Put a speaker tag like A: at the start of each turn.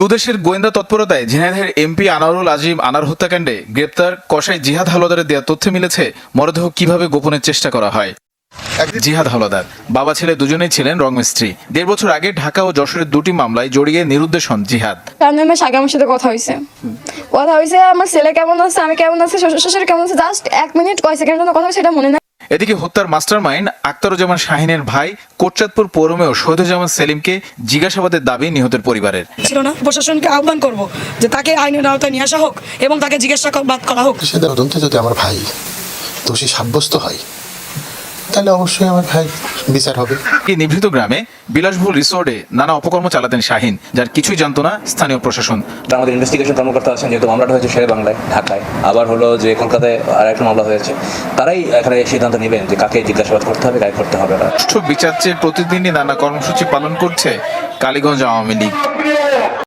A: দুদেশের গোয়েন্দা তৎপরতায় ঝিনাইদহের এমপি আনোয়ারুল আজিম আনার হত্যাকাণ্ডে গ্রেপ্তার কসাই জিহাদ হাওলাদারের দেওয়া তথ্যে মিলেছে মরদেহ কিভাবে গোপনের চেষ্টা করা হয়। জিহাদ হাওলাদার বাবা ছেলে দুজনেই ছিলেন রংমিস্ত্রি। 1.5 বছর আগে ঢাকা ও যশোরের 2টি মামলায় জড়িয়ে নিরুদ্দেশ হন জিহাদ।
B: সাথে আমার সাথে কথা হয়েছে আমার ছেলে কেমন আছে, আমি কেমন আছি, শ্বশুর শাশুড়ি কেমন আছে, জাস্ট 1 মিনিট কয় সেকেন্ডের জন্য কথা হয়েছে, সেটা মনে নাই।
A: এদিকে হত্যার মাস্টারমাইন্ড আক্তারুজ্জামান শাহিনের ভাই কোটচাঁদপুর পৌরমেয় শহীদুজ্জামান সেলিমকে জিজ্ঞাসাবাদের দাবি নিহতের পরিবারের।
C: ছিল না, প্রশাসনকে আহ্বান করব যে তাকে আইনের আওতায় নিয়ে আসা হোক এবং তাকে জিজ্ঞাসাবাদ করা হোক।
D: সে তদন্তে যদি আমার ভাই দোষী সাব্যস্ত হয় তাহলে অবশ্যই আমার ভাই বিচার হবে।
A: এই নিভৃত গ্রামে বিলাসবহুল রিসোর্টে নানা অপকর্ম চালাতেন শাহিন, যার কিছুই জানতো না স্থানীয় প্রশাসন।
E: আমাদের ইনভেস্টিগেশন কর্মকর্তা আছেন, যেহেতু মামলাটা হয়েছে শেরে বাংলায়, ঢাকায়, আবার হলো যে কলকাতায় আর একটা মামলা হয়েছে, তারাই এখানে সিদ্ধান্ত নেবেন যে কাকে জিজ্ঞাসাবাদ করতে হবে, কাকে করতে হবে না।
A: সুষ্ঠু বিচার চেয়ে প্রতিদিনই নানা কর্মসূচি পালন করছে কালীগঞ্জ আওয়ামী লীগ।